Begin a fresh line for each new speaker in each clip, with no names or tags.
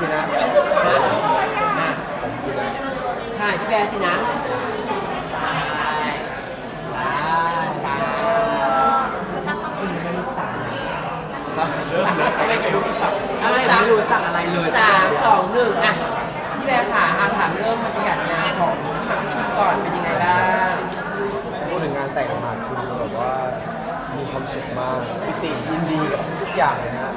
สินะผมสินะ
ใช่พี่แบร์สินะไม่รู้จักอะไรเลย3 2 1อ่ะพี่แบร์ค่ะถามเริ่มบรรยากาศงานของพี่หมากพี่คิมก่อนเป็นยังไงบ้าง
พูดถึงงานแต่งของหมากคิมแบบว่ามีความสุขมากปิติยินดีกับทุกอย่างเลยนะ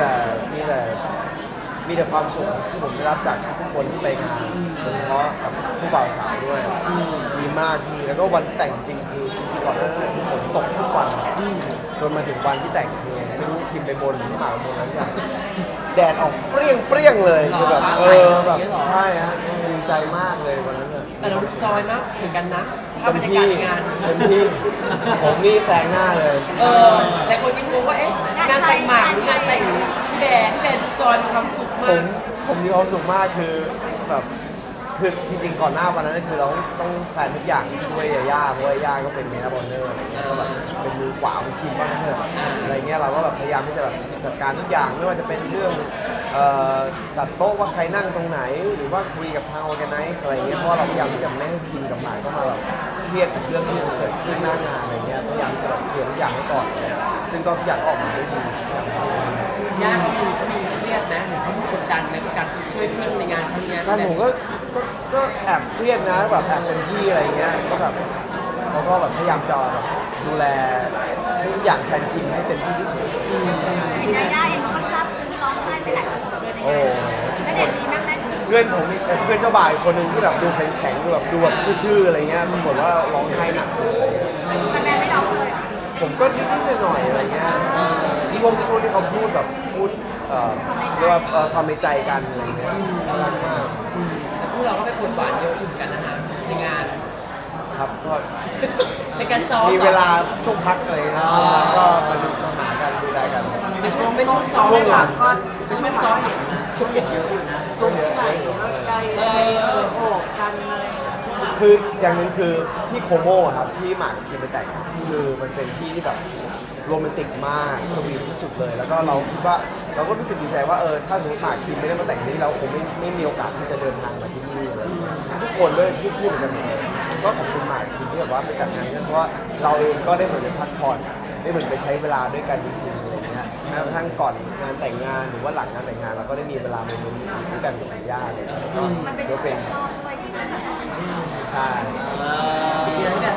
มีแต่ความสุขที่ผมได้รับจากทุกคนที่ไปงานโดยเฉพาะกับผู้บ่าวสาวด้วยดีมากทีแล้วก็วันแต่งจริงคือจริงๆก่อนหน้านั้นฝนตกทุกวันจนมาถึงวันที่แต่งคือไม่รู้คิมไปบนหรือหมากไปบนอะไรอย่างแดดออกเปรี้ยงเลยคือแบบแบบใช่ฮะดีใจมากเลยวันนั้นเลย
แต่เราจอยมากเหมือนกันนะถ้าบรรยากาศในงาน
เต็มที่ผมนี่แซงหน้าเลย
หลายคนก็งงว่าเอ๊ะงานแต่งหมากหรืองานแต่งพี่แบร์จอยมีความสุขมาก
ผมมีความสุขมากคือแบบคือจริงๆก่อนหน้าวันนั้นคือเราต้องแพลนทุกอย่างช่วยย่าเพราะว่าย่าก็เป็นเมนบอลเนอร์อะไรเงี้ยก็แบบเป็นมือขวาของทีมบ้างเถอะอะไรเงี้ยเราก็แบบพยายามที่จะแบบจัดการทุกอย่างไม่ว่าจะเป็นเรื่องจัดโต๊ะว่าใครนั่งตรงไหนหรือว่าคุยกับทาง organize อะไรเงี้ยเพราะเราพยายามที่จะไม่ให้คิมกับหมายก็มาแบบเครียดกับเรื่องที่มันเกิดขึ้นหน้างานอะไรเงี้ยพยายามจะแบบเคลียร์ทุกอย่างให้ก่อนซึ่งก็ทุกอย่างออกมาได้ดี
ย่าเขามีเครียดนะหรือเขากดดันในการช่วยเพื่อนในงานครั้งนี้
การผมก็แอบเครียดนะแบบแอบเป็นที่อะไรเงี้ยก็แบบเขาก็แบบพยายามจะแบบดูแลทุกอย่างแทนคิมให้เต็มที่ที่สุด
จริงๆย่าเองก็ซับซึ้งร้องไห้ไปหลายประสบเลยในงานแล้วเด็กนี้นั่งได้
เพื่อนผมเพื่อนเจ้าบ่าวคนหนึ่งที่แบบดูแข็งๆดูแบบทื่อๆอะไรเงี้ยปรากฏว่าร้องไห้หนักสุดเลย
แต่แม่ไม่ร้องเลย
ผมก็นิดๆหน่อยๆอะไรเงี้ยช่วงที่เขาพูดแบบพูดเรียกว่าความในใจกันอะไรเงี้ยน่ารักมาก
แต่พวกเราก็ไปปวดหวานเยอะอยู่กันนะฮะในงาน
ครับก็
ในการซ้อม
มีเวลาช่วงพักอะไรนะก็มาดูมาหากันดูแลกัน
เป็นช่วงซ้อม
ช่วงหลัง
ก็เป็นช่วงซ้อมเห็นช่วงเห็นเยอะอยู่นะ
ช่วงไหน
ไกลโอ้กันอะไร
คืออย่างนึงคือที่โคโม่ครับที่หมากกับคิมไปแต่งคือมันเป็นที่ที่แบบโรแมนติกมากสวีทที่สุดเลยแล้วก็เราคิดว่าเราก็รู้สึกดีใจว่าถ้าสมมติหมากคิมไม่ได้มาแต่งที่นี่เราคงไม่มีโอกาสที่จะเดินทางมาที่นี่เลยทุกคนด้วยพูดเหมือนกันเลยก็ขอบคุณหมากคิมที่แบบว่าไปจัดงานนี้เพราะว่าเราเองก็ได้เหมือนไปพักผ่อนได้เหมือนไปใช้เวลาด้วยกันจริงๆอะไรเงี้ยแม้กระทั่งก่อนงานแต่งงานหรือว่าหลังงานแต่งงานเราก็ได้มีเวลาในมื้อด้วยกันกับญาติเลย
มันเป็นช่วงชอบด้วยใช่ไหม
ใช่
ปีนั้นแบบ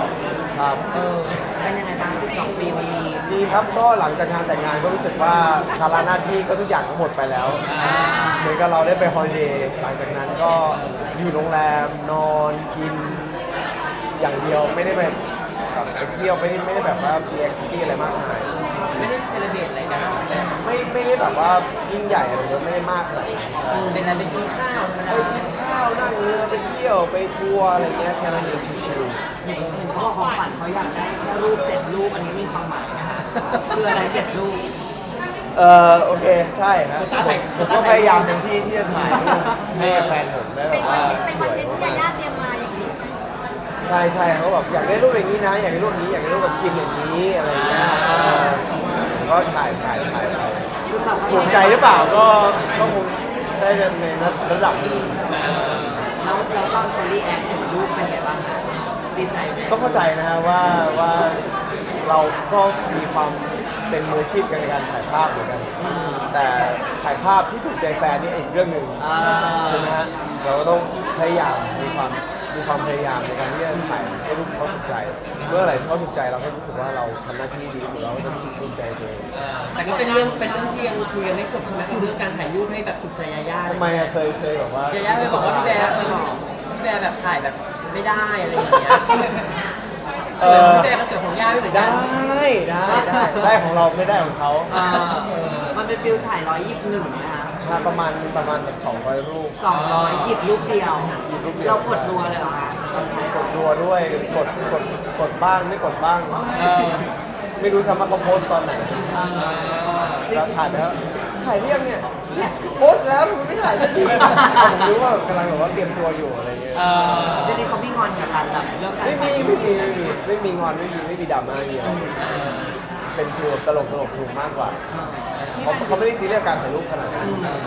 12
ครับ
เป็นยังไงบ้าง12 ปีวันนี้
ดีครับก็หลังจากงานแต่งงานก็รู้สึกว่าภาระหน้าที่ก็ทุกอย่างก็หมดไปแล้วเหมือนกับเราได้ไปฮอลิเดย์หลังจากนั้นก็อยู่โรงแรมนอนกินอย่างเดียวไม่ได้ไปแบบไปเที่ยวไม่ได้แบบว่าเลี้ยงที่อะไรมากมาย
ไม่ได้เซเลบรตอะไรกัน
ไม่ได้แบบว่ายิ่งใหญ่อะไรเยอะไม่ได้มากเลย
เป็นอะไรเป็นกินข้าวธรรมดา
ไปกินข้าวนั่งเรือไปเที่ยวไปทัวร์อะไรเงี้ยแค่นั้นเองชิว
ๆเห็นเขาบอกของฝันเขาอยากได้แค่รูป7 รูปอันนี้มีความหมายนะคะคืออะไร7 รูป
โอเคใช่ครับผมก็พยายามเต็มที่ที่จะถ่ายรูปให้กับแฟนผมได้แบบว่าสวย
มากๆเตรียมมาอย่างนี้
ใช่เขาแบบอยากได้รูปอย่างนี้นะอยากได้รูปนี้อยากได้รูปแบบคิมอย่างนี้อะไรเงี้ยก็ถ่ายถูกใจหรือเปล่าก็คงได้ในระดับนึง
แล้วเราต้องคนรีแอคถึงรูปเป็นไงบ้างคะดีใจ
ก็เข้าใจนะฮะว่าเราก็มีความเป็นมืออาชีพกันในการถ่ายภาพเหมือนกันแต่ถ่ายภาพที่ถูกใจแฟนนี่อีกเรื่องหนึ่งใช่ไหมฮะเราก็ต้องพยายามมีความพยายามในการที่จะถ่ายให้รูปเขาถูกใจเมื่อไหร่ที่เขาถูกใจเราก็รู้สึกว่าเราทำหน้าที่ดีสุดเราก็จะรู้สึกภูมิใจตัวเอง
แต่ก็เป็นเรื่องที่ยังคุยกันไม่จบใช่ไหมกับเรื่องการถ่ายรูปให้แบบถูกใจยาย่า
ทำไมเคยบอกว่า
ยาย่าเคยบอกว่าพี่แบร์แบบถ่ายแบบไม่ได้อะไรอย่างเงี้ยส่วนพี่แบร์กับส่วนของย่าไม่เหมือนกัน
ได้ของเราไม่ได้ของเขา
มันเป็นฟิลถ่าย121นะคะ
ประมาณแบบ200 รูป
200หยิบรูปเดียวเรากดรัวเลยเหรอคะ
กดรัวด้วยกดบ้างไม่กดบ้างไม่รู้ซ้ำว่าเขาโพสตอนไหนเราถ่ายแล้วถ่ายเรียงเนี่ยโพสแล้วมันไม่ถ่ายสักทีผมรู้ว่ากำลังแบบว่าเตรียมตัวอยู่อะไรเงี้ย
จริงๆเขาไม่งอนกับการแบบเรื่องการ
ไม่มีงอนไม่มีดราม่าเยอะเป็นฟิลตลกสนุกมากกว่าเขาไม่ได้ซีเรียสการถ่ายรูปขนาดนั้น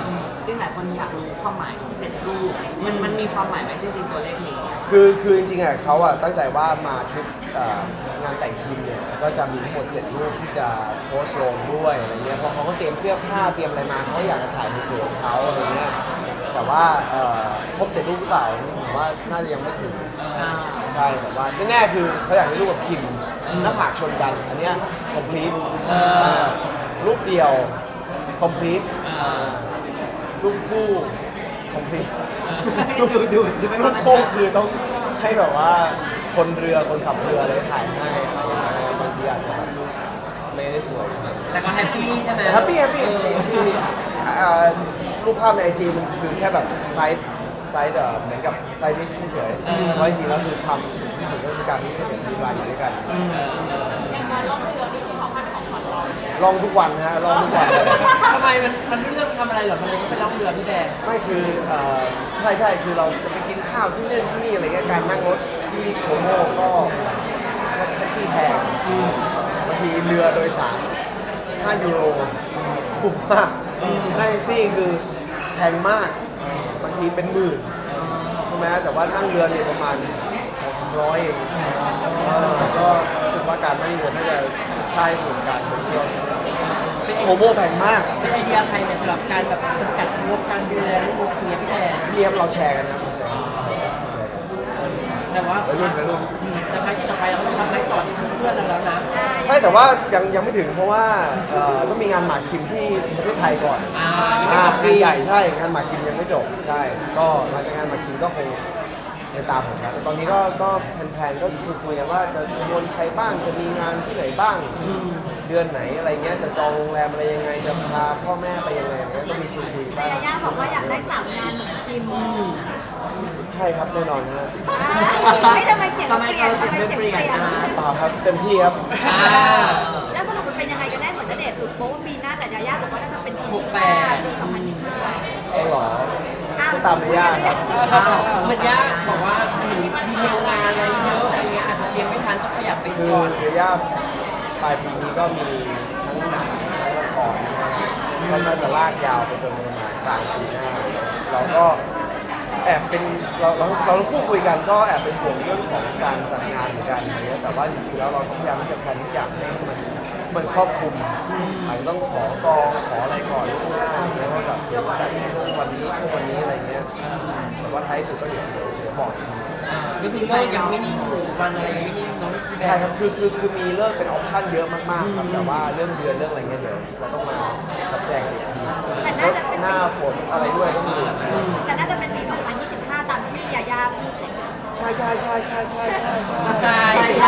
ริงๆหลายคนอยากรู้ความหมายของ7 รูปมันมีความหมายไหมจริงๆตัวเลขนี้
คือจริงๆอ่ะเขาอ่ะตั้งใจว่ามาทริปงานแต่งคิมเนี่ยก็จะมีทั้งหมด7รูปที่จะโพสต์ลงด้วยอะไรเงี้ยเพราะเขาก็เตรียมเสื้อผ้าเตรียมอะไรมาเขาอยากจะถ่ายในสวนของเขาอะไรเงี้ยแต่ว่าครบ7รูปหรือเปล่าผมว่าน่าจะยังไม่ถึงใช่แต่ว่าแน่ๆคือเขาอยากได้รูปกับคิมหน้าผากชนกันอันเนี้ย complete รูปเดียว complete รูปคู่ complete
ดู
รูปคู่คือต้องให้แบบว่าคนเรือคนขับเรืออะไรถ่ายให้บางทีอาจจะแบบไม่ได้สวย
แต่ก็แฮปปี้ใช่ไหม
แฮปปี้รูปภาพในไอจีมันคือแค่แบบไซส์เหมือนกับไซส์ดิชเฉยๆเพราะจริงๆแล้วคือความสุขที่สุดก็คือการที่ได้เห็นมีลายอยู่ด้วยกันลองทุกวันฮะลองทุกวันเลย
ทำไมมันไม่เลือกทำอะไรหรอทำไมก็ไปล่องเรือพี่แบร์
ไม่คือใช่คือเราจะไปกินข้าวที่เล่นที่นี่อะไรเงี้ยการนั่งรถที่โคโมก็แท็กซี่แพงบางทีเรือโดยสาร5 ยูโรถูกมากค่าแท็กซี่คือแพงมากบางทีเป็นหมื่นใช่ไหมแต่ว่านั่งเรือเนี่ยประมาณ200-300เองก็รู้สึกว่าการนั่งเรือน่าจะค่าส่วนการไปเที่ยวโคโมแพงมาก
เป็นไอเดียใครเนี่ยสำหรับการแบบจำกัดงบการดูแลเรื่องงบเนี้ยพี่แบร์
พี่เอฟเราแชร์กันนะเราแชร์กัน
แต่ว่า
ไปรุ่น
แต่ภารกิจต่อไปเราก็ต้องทำให้ต่อที่เพื่อนเราแล้วนะ
ใช่แต่ว่ายังไม่ถึงเพราะว่าต้องมีงานหมากคิมที่ประเทศไทยก่อน
ยังไม่จบปี
งานใหญ่ใช่งานหมากคิมยังไม่จบใช่ ก็หลังจากงานหมากคิมก็คงในตามของฉันแต่ตอนนี้ก็แผนก็คุยกันว่าจะชวนใครบ้างจะมีงานที่ไหนบ้าง เดือนไหนอะไรเงี้ยจะจองโรงแรมอะไรยังไงจะพาพ่อแม่ไปยังไงอะไรเงี้ยก็มีคุยบ้าง
ยาย่าบอกว่าอยากได้3 งานเหมือนคิม
ใช่ครับแน่นอนนะฮะ
ไม่ทำไมเสียงเปลี่ยนทำไมเสียงเปลี่ยน
เปล่าครับเต็มที่ครับ
แล้วสรุปมันเป็นยังไงกันแน่เหมือนณเดชน์สุดโป๊ะว่าปีหน้าแต่ยาย่าบอกว่าน่าจะเป็นปี 2025
เอาหรอก็ตามไม่ยากครับ
เหมือนย่าบอกว่าถึงดีเทลงานอะไรเยอะอะไรเงี้ยอาจจะเตรียมไม่ทันต้องขยับไป
คือ
ก่อน
เรือย่าปลายปีนี้ก็มีทั้งหนังทั้งละครนะครับก็น่าจะลากยาวไปจนประมาณกลางปีหน้า เราก็แอบเป็นเราทั้งคู่คุยกันก็แอบเป็นห่วงเรื่องของการจัดงานเหมือนกันอะไรเงี้ยแต่ว่าจริงๆแล้วเราต้องพยายามที่จะแพลนทุกอย่างให้มันครอบคลุมอาจจะต้องขอกองขออะไรก่อนล่วงหน้าอะไรเงี้ยว่าแบบเดี๋ยวจะจัดช่วงวันนี้อะไรเงี้ยแต่ว่าท้ายสุดก็เดี๋ยวบอกอีกที
ก็คือเลิกยังไม่นิ่งวันอะไรยังไม่นิ่งเน้องพี่แบ
ใช่
ร์
ครับคือมีเลิกเป็นออปชั่นเยอะมากๆครับ แต่ว่าเรื่องเดือนเรื่องอะไรเงี้ยเดี๋ยวเราต้องมาจัดแจงกันอีกทีรถหน้าฝนอะไรด้วยต้องดู
แต่น่าจะเป็นปี 2025 ตามที่ยาย่าพูดเลย
ใช่
ใช่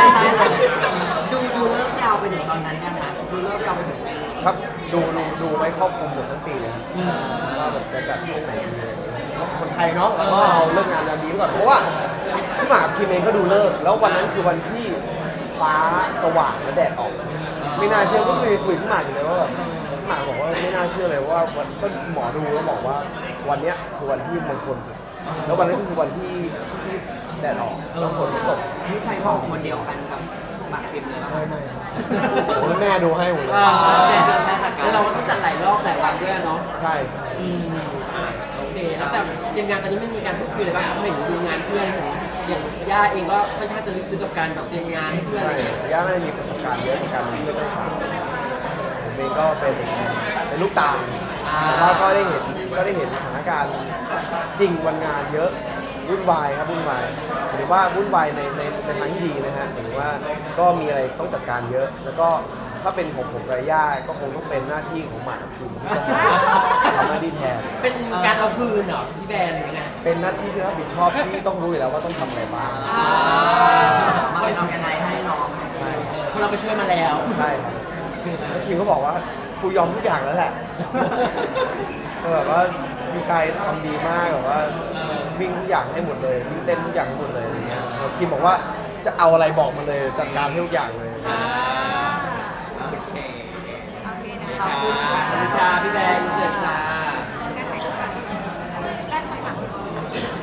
ดูเลิกยาวไปถึงตอนนั้นยังคะดูเลิกยาวไปถึงปี
ครับดูไว้ครอบคลุมหมดทั้งปีเลยครับว่าแบบจะจัดช่วงไหนดีอะไรเงี้ยคนไทยเนาะแล้วก็เอาเลิกงานยามดีไว้ก่อนเพราะว่าพี่หมากกับคิมเองก็ดูเลิกแล้ววันนั้นคือวันที่ฟ้าสว่างและแดดออก ไม่น่าเชื่อก็คุยพี่หมากอยู่เลยว่าแบบพี่หมากบอกว่าไม่น่าเชื่อเลยว่าวันก็หมอดูแล้วบอกว่าวันเนี้ยคือวันที่มงคลสุดแล้ววันนั้นก็คือวันที่แดดออกแล้วฝนก็ตก
นี่ใช้บอกคนเดียวกันกับหมากคิมเลยป่ะ
ไม่โอ้ยแม่ดูให้หมดเลย
แล้วเราก็ต้องจัดหลายรอบหลายวันด้วยเนาะ
ใช่
โอเคแล้วแต่เตรียมงานตอนนี้ไม่มีการพูดคุยเลยบ้างครับเพราะเห็นดูงานเพื่อนอย่างย่าเองก็ค่อนข้างจะลึกซึ้งกับการแบบเตรียมงานให้เพื่อนอะไร
ใช่
อย่างเงี้ย
ย่าน่าจะมีประสบการณ์เยอะในการเป็นเพื่อนเจ้าสาวผมเองก็เป็นลูกตาลแล้วก็ได้เห็นสถานการณ์จริงวันงานเยอะวุ่นวายครับวุ่นวายหรือว่าวุ่นวายในทางที่ดีนะฮะหรือว่าก็มีอะไรต้องจัดการเยอะ แล้วก็ถ้าเป็นของผมกับย่าก็คงต้องเป็นหน้าที่ของหมากกับคิมที่ต้องทำหน้าที่แทน
เป็นการเอาคืนเหรอพี่แบนหรือไง
เป็นหน้าที่ที่รับผิดชอบที่ต้องรู้อยู่แล้วว่าต้องทำอะไรบ้าง
มาเป็นออร์แกไนซ์ให้น้อง
ใช่
เพราะเราไปช่วยมาแล้ว
ใช่ครับแล้วคิมก็บอกว่ากูยอมทุกอย่างแล้วแหละก็แบบว่ามีกายทำดีมากแบบว่าวิ่งทุกอย่างให้หมดเลยวิ่งเต้นทุกอย่างให้หมดเลยอะไรเงี้ยแล้วคิมบอกว่าจะเอาอะไรบอกมาเลยจัดการให้ทุกอย่างเลย
โอเค
โอเคนะ
ขอบคุณ
ขอบคุณค่ะพี่แบนเจอจ้า
การถ่ายรูปกันแรกถอยหลังนิดเดียว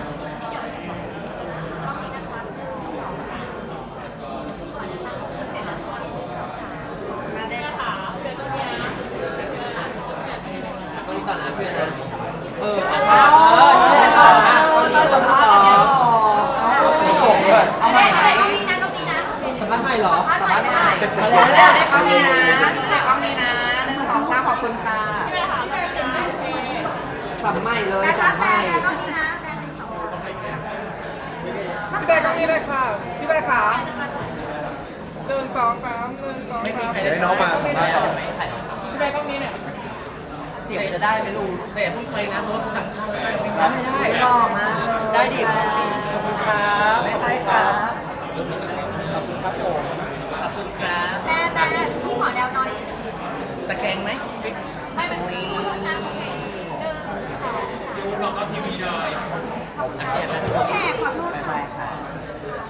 รอบนี้นะคะมาได้ค่ะ
ก็นี่ต่อนะเพื่อนนะเอาแล้ว
เลขกล้องนี้นะเลขกล้องนี้นะ1 2 3ขอบคุณค่ะสัมใหม่เลยสัมใหม่
แต่ก็มีนะแต่หนึ่งสอง
พี่แบร์ตรงนี้เลยค่ะ พี่แบร์ขา1 2 3 1 2 3
เดี๋ยวให้น้องมาสัมภาษณ์ต่อ
พี่แบร์ตรงนี้เนี่ย
เสียงจะได้ไหมลุง
แต่อย่าเพิ่งไปนะเพราะว่ากูสั่งข้าวไม่ได้ไม่
ได้
ได้
ได้
หล่อมากเลย
ได้ดิขอบคุณครับ
ไม่ใช่ครับ
ขอบคุณครับผม
ขอบคุณครับ
แต่พี่ขอแนวหน่อย
ตะแคงไหม
ไม่เป็นพูดนะโอเค1 2 3ดูเราก็ทีวีเลยโอเคขอโทษ